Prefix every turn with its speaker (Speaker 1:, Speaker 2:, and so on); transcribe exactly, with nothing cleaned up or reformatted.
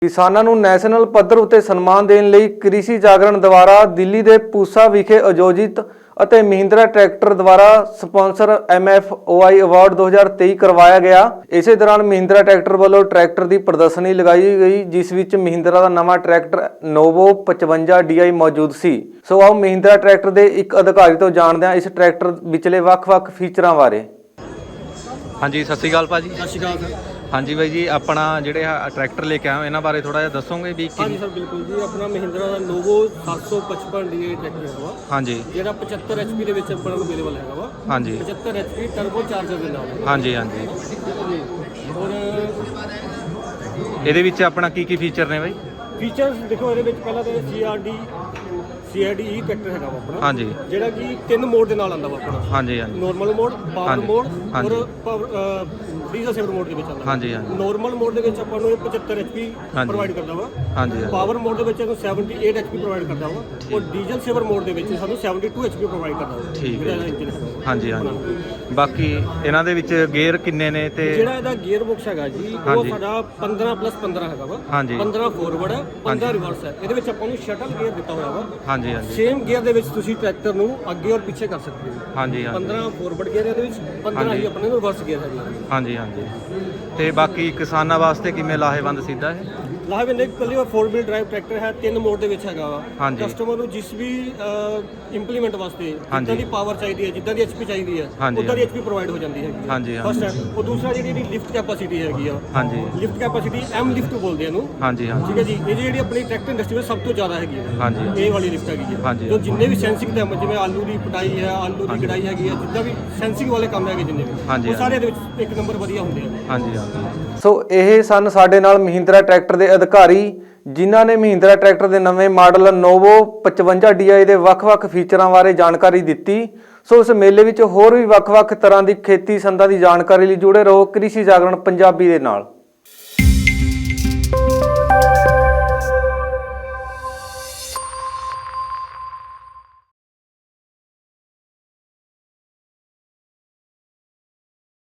Speaker 1: ਕਿਸਾਨਾਂ ਨੂੰ ਨੈਸ਼ਨਲ ਪੱਧਰ ਉਤੇ ਸਨਮਾਨ ਦੇਣ ਲਈ ਕ੍ਰਿਸ਼ੀ ਜਾਗਰਣ ਦੁਆਰਾ ਦਿੱਲੀ ਦੇ ਪੂਸਾ ਵਿਖੇ ਆਯੋਜਿਤ ਅਤੇ ਮਹਿੰਦਰਾ ਟਰੈਕਟਰ ਦੁਆਰਾ sponsor M F O I award दो हज़ार तेईस ਕਰਵਾਇਆ ਗਿਆ। ਇਸੇ ਦੌਰਾਨ ਮਹਿੰਦਰਾ ਟਰੈਕਟਰ ਵੱਲੋਂ ਟਰੈਕਟਰ ਦੀ ਪ੍ਰਦਰਸ਼ਨੀ ਲਗਾਈ ਗਈ, ਜਿਸ ਵਿੱਚ ਮਹਿੰਦਰਾ ਦਾ ਨਵਾਂ ਟਰੈਕਟਰ ਨੋਵੋ पचवंजा डी आई ਮੌਜੂਦ ਸੀ। ਸੋ ਆਓ ਮਹਿੰਦਰਾ ਟਰੈਕਟਰ ਦੇ ਇੱਕ ਅਧਿਕਾਰੀ ਤੋਂ ਜਾਣਦੇ ਹਾਂ ਇਸ ਟਰੈਕਟਰ ਵਿਚਲੇ ਵੱਖ-ਵੱਖ ਫੀਚਰਾਂ ਬਾਰੇ।
Speaker 2: ਹਾਂਜੀ, ਸਤਿ ਸ਼੍ਰੀ ਅਕਾਲ ਭਾਜੀ।
Speaker 3: ਸਤਿ ਸ਼੍ਰੀ ਅਕਾਲ ਸਰ।
Speaker 2: ਹਾਂਜੀ ਬਾਈ ਜੀ, ਆਪਣਾ ਜਿਹੜੇ ਟਰੈਕਟਰ ਲੈ ਕੇ ਆਏ ਹੋ ਇਹਨਾਂ ਬਾਰੇ ਥੋੜਾ ਜਿਹਾ ਦੱਸੋਗੇ ਵੀ
Speaker 3: ਹਾਂਜੀ ਸਰ, ਬਿਲਕੁਲ ਜੀ। ਆਪਣਾ ਮਹਿੰਦਰਾ ਦਾ ਨੋਵੋ ਸੱਤ ਸੌ ਪਚਪਨ ਡੀ ਆਈ ਟਰੈਕਟਰ ਹੈਗਾ ਵਾ।
Speaker 2: ਹਾਂਜੀ,
Speaker 3: ਜਿਹੜਾ ਪਚੱਤਰ ਐਚ ਪੀ ਦੇ ਵਿੱਚ ਆਪਣਾ ਨੂੰ ਅਵੇਲੇਬਲ ਹੈਗਾ ਵਾ।
Speaker 2: ਹਾਂਜੀ,
Speaker 3: ਪਚੱਤਰ ਐਚ ਪੀ ਟਰਬੋ ਚਾਰਜਰ ਦੇ ਨਾਲ।
Speaker 2: ਹਾਂਜੀ ਹਾਂਜੀ।
Speaker 3: ਔਰ
Speaker 2: ਇਹਦੇ ਵਿੱਚ ਆਪਣਾ ਕੀ ਕੀ ਫੀਚਰ ਨੇ ਬਾਈ?
Speaker 3: ਫੀਚਰਸ ਦੇਖੋ, ਇਹਦੇ ਵਿੱਚ ਪਹਿਲਾਂ ਤਾਂ C R D C R D E tractor ਹੈਗਾ ਵਾ ਆਪਣਾ।
Speaker 2: ਹਾਂਜੀ,
Speaker 3: ਜਿਹੜਾ ਕਿ ਤਿੰਨ ਮੋਡ ਦੇ ਨਾਲ ਆਉਂਦਾ ਵਾ ਆਪਣਾ।
Speaker 2: ਹਾਂਜੀ ਹਾਂਜੀ,
Speaker 3: ਨਾਰਮਲ ਮੋਡ, ਪਾਵਰ ਮੋਡ
Speaker 2: ਹਾਂਜੀ।
Speaker 3: ਔਰ ਪਾਵਰ ਡੀਜ਼ਲ ਸੇਵਰ ਮੋਡ ਦੇ ਵਿੱਚ ਆਉਂਦਾ।
Speaker 2: ਹਾਂਜੀ ਹਾਂਜੀ,
Speaker 3: ਨਾਰਮਲ ਮੋਡ ਦੇ ਵਿੱਚ ਆਪਾਂ ਨੂੰ ਪਚੱਤਰ ਐਚ ਪੀ ਪ੍ਰੋਵਾਈਡ ਕਰਦਾ ਵਾ।
Speaker 2: ਹਾਂਜੀ
Speaker 3: ਪਾਵਰ ਮੋਡ ਦੇ ਵਿੱਚ ਸਾਨੂੰ ਅਠੱਤਰ ਐਚ ਪੀ ਪ੍ਰੋਵਾਈਡ ਕਰਦਾ ਵਾ। ਔਰ ਡੀਜ਼ਲ ਸੇਵਰ ਮੋਡ ਦੇ ਵਿੱਚ ਸਾਨੂੰ ਬਹੱਤਰ ਐਚ ਪੀ ਪ੍ਰੋਵਾਈਡ ਕਰਦਾ ਵਾ।
Speaker 2: ਠੀਕ ਹੈ।
Speaker 3: ਇੰਜਨ ਹੈਗਾ।
Speaker 2: ਹਾਂਜੀ ਹਾਂਜੀ। ਬਾਕੀ ਇਹਨਾਂ ਦੇ ਵਿੱਚ ਗੇਅਰ ਕਿੰਨੇ ਨੇ ਤੇ
Speaker 3: ਜਿਹੜਾ ਇਹਦਾ ਗੇਅਰ ਬਾਕਸ ਹੈਗਾ ਜੀ, ਉਹ ਸਾਡਾ ਪੰਦਰਾਂ ਪਲੱਸ ਪੰਦਰਾਂ ਹੈਗਾ ਵਾ।
Speaker 2: ਹਾਂਜੀ,
Speaker 3: ਪੰਦਰਾਂ ਫੋਰਵਰਡ ਹੈ, ਪੰਦਰਾਂ ਰਿਵਰਸ ਹੈ। ਇਹਦੇ ਵਿੱਚ ਆਪਾਂ ਨੂੰ ਸ਼ਟਲ ਗੇਅਰ ਦਿੱਤਾ ਹੋਇਆ ਵਾ।
Speaker 2: ਹਾਂਜੀ ਹਾਂਜੀ,
Speaker 3: ਸੇਮ ਗੇਅਰ ਦੇ ਵਿੱਚ ਤੁਸੀਂ ਟਰੈਕਟਰ ਨੂੰ ਅੱਗੇ ਔਰ ਪਿੱਛੇ ਕਰ ਸਕਦੇ ਹੋ।
Speaker 2: ਹਾਂਜੀ ਹਾਂਜੀ,
Speaker 3: ਪੰਦਰਾਂ ਫੋਰਵਰਡ ਗੇਅਰ ਇਹਦੇ ਵਿੱਚ, ਪੰਦਰਾਂ ਹੀ ਆਪਣੇ ਨੂੰ ਰਿਵਰਸ ਗੇਅਰ ਹੈਗਾ।
Speaker 2: ਹਾਂਜੀ ਹਾਂਜੀ। ਤੇ ਬਾਕੀ ਕਿਸਾਨਾਂ ਵਾਸਤੇ ਕਿਵੇਂ ਲਾਹੇਵੰਦ ਸਿੱਧਾ ਹੈ?
Speaker 3: ਲਾਹੇਵੰਦ ਇਕੱਲੀ ਫੋਰ ਵੀਲ ਡਰਾਈਵ ਟਰੈਕਟਰ ਹੈ, ਤਿੰਨ ਮੋਡ ਦੇ ਵਿੱਚ ਹੈਗਾ ਵਾ।
Speaker 2: ਹਾਂਜੀ।
Speaker 3: ਕਸਟਮਰ ਨੂੰ ਜਿਸ ਵੀ ਇੰਪਲੀਮੈਂਟ ਵਾਸਤੇ ਜਿੱਦਾਂ ਦੀ ਪਾਵਰ ਚਾਹੀਦੀ ਹੈ, ਜਿੱਦਾਂ ਦੀ ਐਚਪੀ ਚਾਹੀਦੀ ਹੈ,
Speaker 2: ਹਾਂਜੀ,
Speaker 3: ਉਦਾਂ ਦੀ ਐਚਪੀ ਪ੍ਰੋਵਾਈਡ ਹੋ ਜਾਂਦੀ ਹੈਗੀ।
Speaker 2: ਹਾਂਜੀ
Speaker 3: ਫਸਟ ਹੈ। ਉਹ ਦੂਸਰਾ ਜਿਹੜੀ ਇਹਦੀ ਲਿਫਟ ਕੈਪੈਸਿਟੀ ਹੈਗੀ ਆ,
Speaker 2: ਹਾਂਜੀ
Speaker 3: ਲਿਫਟ ਕੈਪੈਸਿਟੀ ਐਮ ਲਿਫਟ ਬੋਲਦੇ ਆ ਇਹਨੂੰ।
Speaker 2: ਹਾਂਜੀ ਹਾਂਜੀ,
Speaker 3: ਠੀਕ ਹੈ ਜੀ। ਇਹ ਜਿਹੜੀ ਆਪਣੀ ਟਰੈਕਟਰ ਇੰਡਸਟਰੀ ਵਿੱਚ ਸਭ ਤੋਂ ਜ਼ਿਆਦਾ ਹੈਗੀ ਹੈ।
Speaker 2: ਹਾਂਜੀ,
Speaker 3: ਇਹ ਵਾਲੀ ਲਿਫਟ ਹੈਗੀ ਹੈ।
Speaker 2: ਹਾਂਜੀ।
Speaker 3: ਜੋ ਜਿੰਨੇ ਵੀ ਸੈਂਸਿੰਗ ਕੰਮ, ਜਿਵੇਂ ਆਲੂ ਦੀ ਪਟਾਈ ਹੈ, ਆਲੂ ਦੀ ਕਢਾਈ ਹੈਗੀ ਹੈ, ਜਿੱਦਾਂ ਵੀ ਸੈਂਸਿੰਗ ਵਾਲੇ ਕੰਮ ਹੈਗੇ ਜਿੰਨੇ ਵੀ,
Speaker 2: ਹਾਂਜੀ,
Speaker 3: ਉਹ ਸਾਰੇ ਦੇ ਵਿੱਚ ਇੱਕ ਨੰਬਰ ਵਧੀਆ ਹੁੰਦੇ ਆ।
Speaker 2: ਹਾਂਜੀ ਹਾਂਜੀ।
Speaker 1: ਸੋ ਇਹ ਸਨ ਸਾਡੇ ਨਾਲ ਮਹਿੰਦਰਾ ਟਰੈਕਟਰ ਦੇ ਅਧਿਕਾਰੀ, ਜਿਨ੍ਹਾਂ ਨੇ ਮਹਿੰਦਰਾ ਟਰੈਕਟਰ ਦੇ ਨਵੇਂ ਮਾਡਲ ਨੋਵੋ पचवंजा डी आई ਦੇ ਵੱਖ-ਵੱਖ ਫੀਚਰਾਂ ਬਾਰੇ ਜਾਣਕਾਰੀ ਦਿੱਤੀ। ਸੋ ਇਸ ਮੇਲੇ ਵਿੱਚ ਹੋਰ ਵੀ ਵੱਖ-ਵੱਖ ਤਰ੍ਹਾਂ ਦੀ ਖੇਤੀ ਸੰਦਾਂ ਦੀ ਜਾਣਕਾਰੀ ਲਈ ਜੁੜੇ ਰਹੋ ਕ੍ਰਿਸ਼ੀ ਜਾਗਰਣ ਪੰਜਾਬੀ ਦੇ ਨਾਲ।